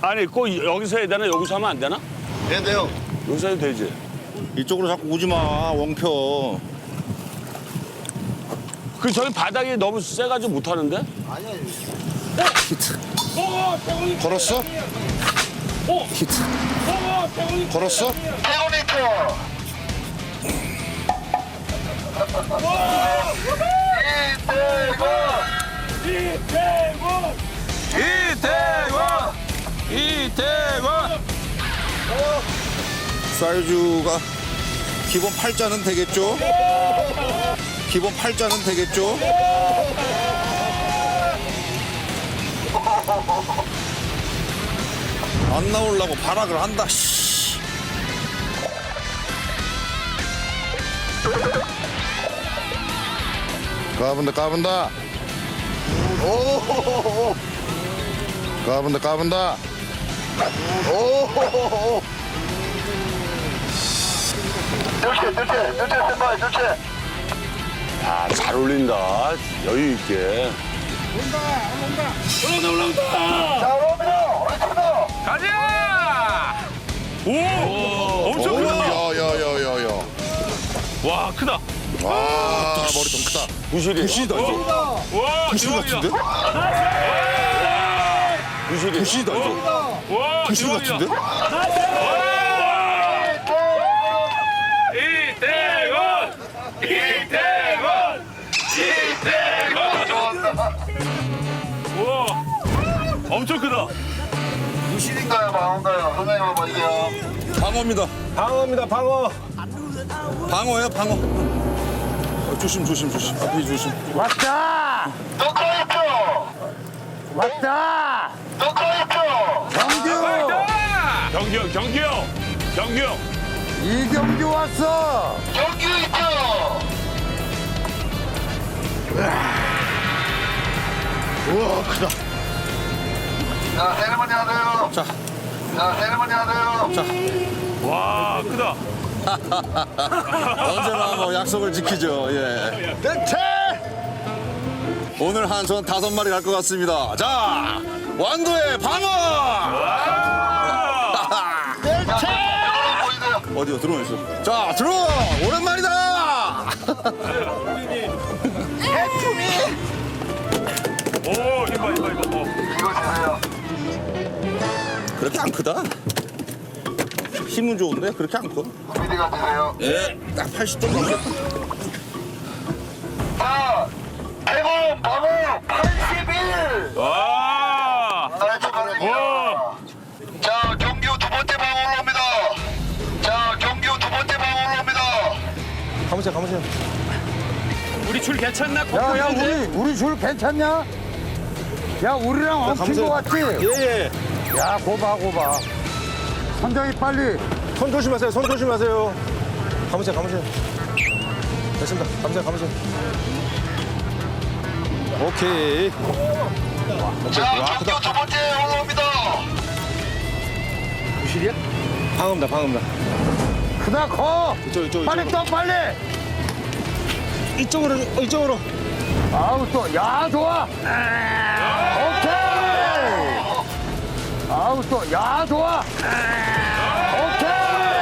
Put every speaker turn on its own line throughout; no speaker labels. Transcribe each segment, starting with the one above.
아니 꼭 여기서 해야 되나? 여기서 하면 안 되나?
네, 돼요.
여기서 해도 되지.
이쪽으로 자꾸 오지 마, 원표.
그 저기 바닥이 너무 세가지고 못 하는데?
히트. 걸었어? 히트. 걸었어?
이태원!
사이즈가 기본 8자는 되겠죠? 기본 8자는 되겠죠? 안 나오려고 발악을 한다, 씨. 까분다. 까분다.
야, 잘 어울린다. 여유 있게.
가자! 오! 엄청 크다!
야야야야야.
와, 크다!
와, 머리 좀 크다.
부실이.
부시다 이거.
와,
부시 같은데?
부실이.
부시다 이거.
와,
부시
대박이다.
같은데?
우와, 엄청 크다.
무실인가요, 방어인가요? 선생님 한번 이게요.
방어입니다.
방어입니다, 방어.
방어야 방어. 조심. 앞에 조심.
왔다!
녹화했죠?
왔다!
녹화했죠?
경규!
경규 형.
이경규 왔어!
경기 있죠?
우와 크다.
자, 세레머니 하세요.
자.
자, 세레머니 하세요.
와, 크다.
언제나 뭐 약속을 지키죠. 예. 대체! 오늘 한 손 5마리 갈 것 같습니다. 자, 완도의 방어!
보이세요?
어디요? 들어와 있어. 자, 들어와! 오랜만이다!
오, 이봐. 어.
이거 주세요.
그렇게 안 크다. 힘은 좋은데 그렇게 안 커.
미리가 주세요.
예, 딱 80점 넘게.
자, 대공 방어 81.
와!
나이스 반응이야. 자, 경규 두 번째 방어 올라옵니다. 자, 경규 두 번째 방어 올라옵니다.
가보세요.
우리 줄 괜찮나?
야, 우리 줄 괜찮냐? 야, 우리랑 엉킨 거 같지?
예.
야, 고봐. 선장이 빨리.
손 조심하세요. 가보세요. 됐습니다. 가보세요. 오케이.
자, 경규 두 번째 올라옵니다.
방어입니다.
크다, 커!
이쪽.
빨리 떠, 빨리!
이쪽으로.
아우, 또, 야, 좋아! 오케이! 아우, 또, 야, 좋아! 오케이!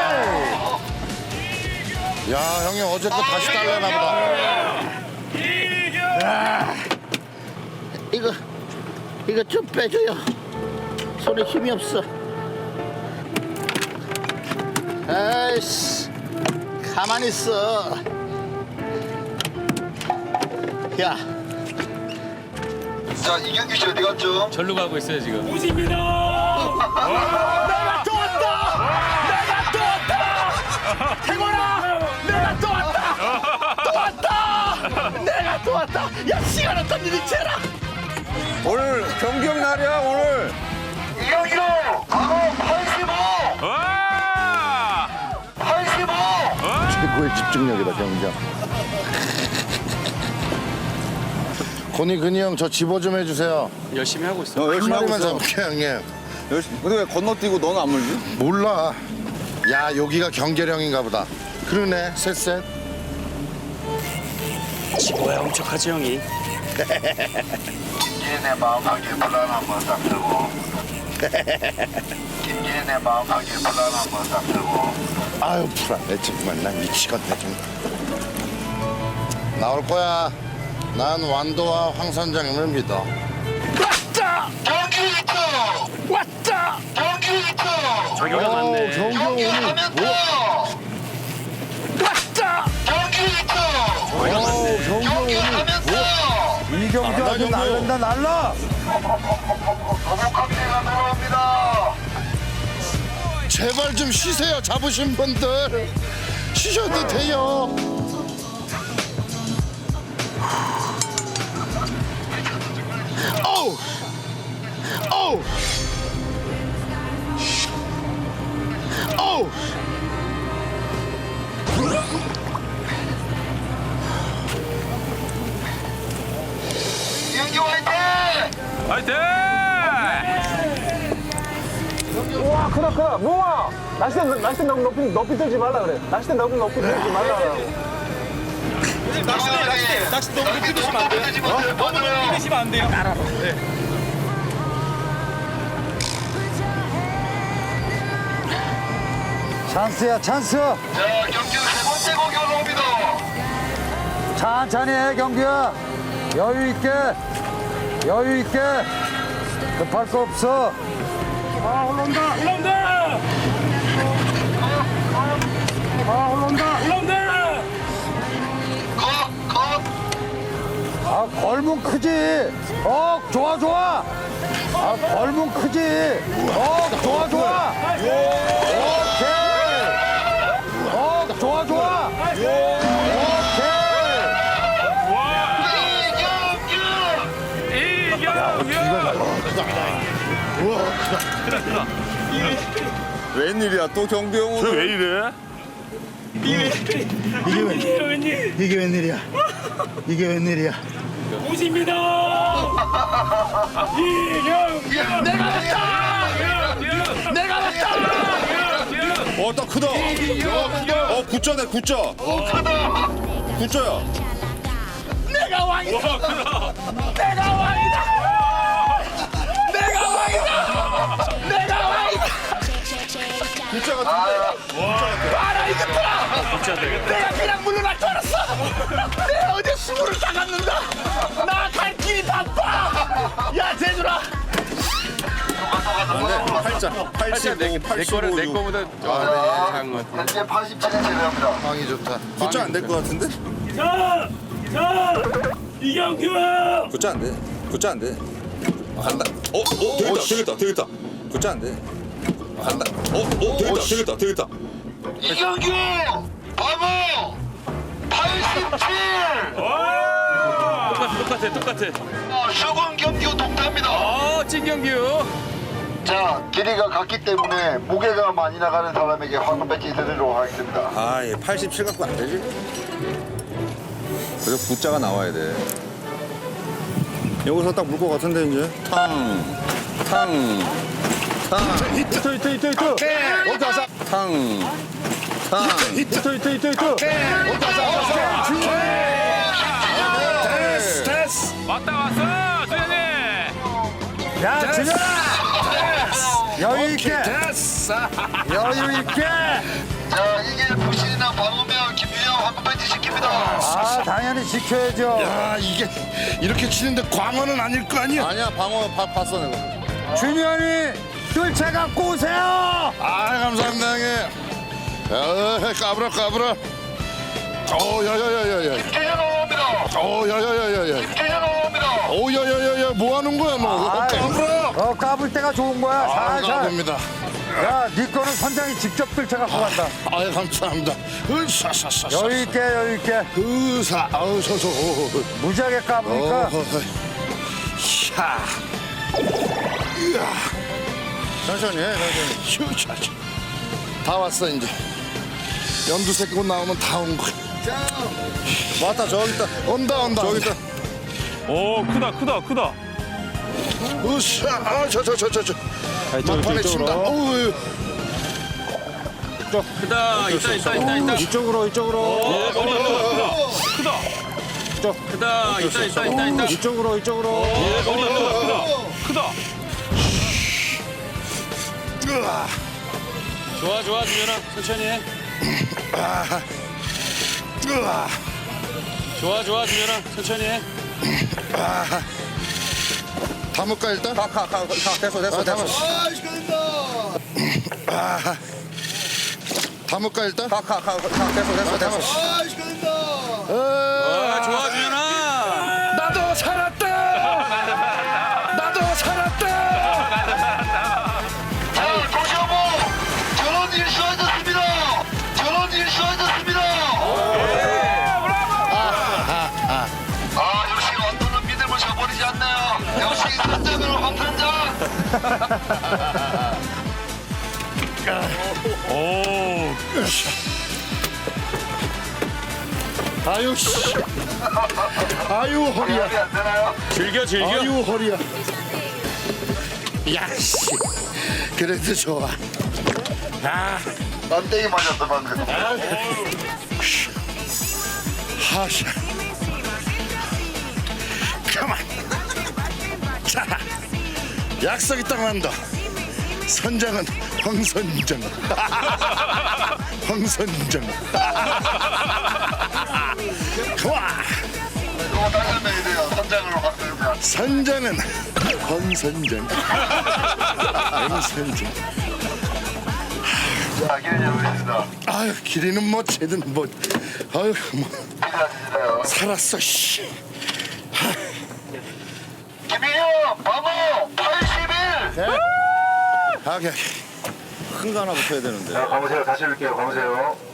야, 형님 어제 거 다시 달래나 보다.
이거 좀 빼줘요. 손에 힘이 없어. 아이씨, 가만히 있어. 야,
자, 이경규 씨 어디 갔죠?
절로 가고 있어요, 지금.
또 왔다. 야, 시간 어떤 일이 채라.
오늘 경기형 날이야 오늘.
이경규 방어 85.
와!
85.
최고의 집중력이다 경기형. 근이 형 저 집어 좀 해주세요.
열심히 하고 있어.
열심히 하고만 잡을게 형님.
근데 왜 건너뛰고 너는 안 물지?
몰라. 야 여기가 경계령인가 보다. 그러네 셋.
지고야 엄청 하지 형이.
얘네 마음하게 불안한 거딱 들고. 김진의 마음속에 불안한 것딱 들고.
아유 불안해 정말 난 미치겠네 정말. 나올 거야. 난 완도와 황 선장님을 믿어.
경기 1등!
왔다.
경기 1등!
저기가 맞네.
경기하면서
왔다.
경기 1등! 경기하면서
이경규 아주 날른다 날라.
거북합체가 들어옵니다.
제발 좀 쉬세요 잡으신 분들. 쉬셔도 돼요. 어우 어우 어우
이경규 화이팅!
화이팅!
와 크다 크다 몽아 낚싯대 너무 높이 들지 말라 그래. 낚싯대 너무 높이 들지 말라 그래.
낚시 너무 높이 드시면 안 돼요. 너무 높이 드시면 안 돼요.
찬스야 찬스.
자, 경기 세 번째 공기 올라옵니다.
천천히 해 경규야. 여유 있게. 여유 있게. 급할 거 없어.
올라온다.
컷!
아 걸문 크지. 좋아 좋아. 아 걸문 크지. 좋아 좋아. 오케이. 좋아 좋아. 오케이.
웬일이야 또 경규 형 오늘.
왜 이래?
이게 웬일이야? 이게 웬일이야?
딱 크다. 굿자네 굿자. 굿자야. 굿자 같은데.
내가 그냥 물러날 줄 알았어. 내가 어제 수구를 싸갔는다. 나 갈 길이 바빠. 야, 재준아.
팔자
내 거는 내 거보다 작은 것 같아.
현재 87이 제외합니다.
방이 좋다. 굿자 안 될 것 같은데?
이경규.
굿자 안 돼. 굿자 안 돼. 간다. 되겠다. 굿자 안 돼. 간다. 되겠다.
이경규 바보 87.
똑같아.
수군 경규 동타입니다.
찐경규.
자, 길이가 같기 때문에 무게가 많이 나가는 사람에게 황금 배지 드리도록 하겠습니다.
아, 얘 87 갖고 안 되지? 그래서 굿자가 나와야 돼. 여기서 딱 물 것 같은데 이제. 탕.
히트. 어디 가서?
탕.
히트.
됐어.
왔어, 수현이.
야 준현아. 여유 있게. 여유 있게.
자, 이게 부신이나 방어면 김유영 황금 배지 시킵니다.
아 당연히 지켜야죠.
아, 이게 이렇게 치는데 광어는 아닐 거 아니야? 아니야, 방어 봤어 내가.
준현이 뜰채 갖고 오세요.
아, 감사합니다, 형님. 까불어. 야야야야야.
김태현 올라옵니다.
야야야야야.
김태현 올라옵니다.
야야야야, 뭐 하는 거야 너?
아이,
까불어.
까불 때가 좋은 거야. 살살.
감사합니다.
야, 네 거는 선장이 직접 뜰채 갖고 간다.
아, 감사합니다. 으사사사.
여유 있게.
으사. 아우 서서.
무지하게 까부니까.
샤. 천천히 해, 천천히. 다 왔어 이제. 연두색 꽃 나오면 다 온 거야. 왔다 저기 있다. 온다. 저기 있다.
오, 크다.
으쌰. 저. 막판에 친다. 어우.
크다. 있다.
이쪽으로.
크다. 있다.
이쪽으로.
크다. 좋아 좋아 준현아 천천히 해. 좋아 좋아 준현아 천천히 해.
담을까 일단?
가, 됐어.
담아. 담을까 일단?
됐어.
담아.
좋아 준현아.
나도 살았다. 나도 살았다.
자, 도시어보 저런 일 수하셨습니다. 저런 일 수하셨습니다. 역시 언더는 믿음을 저버리지 않네요. 역시 선장으로 황선장.
아유 씨. 아유 허리야.
안 되나요?
즐겨 즐겨.
아유 허리야. 야씨. 그래도 좋아.
만땡이 맞았어 방금.
하샤. 가만. 자. 약속이 딱 난다. 선장은 황선정. 황선정. 좋아.
이거 다시 한번 해야 돼요. 선장으로 바꾸자.
선장은 황선정. 황선정.
자, 기회를 잡으겠습니다.
아유 길이는 뭐 쟤든 뭐. 아유 뭐
기대하시나요?
살았어 씨.
김희영, 방어 81.
오케이.
큰 거 하나 붙어야 되는데.
자, 가보세요. 다시 올게요. 가보세요.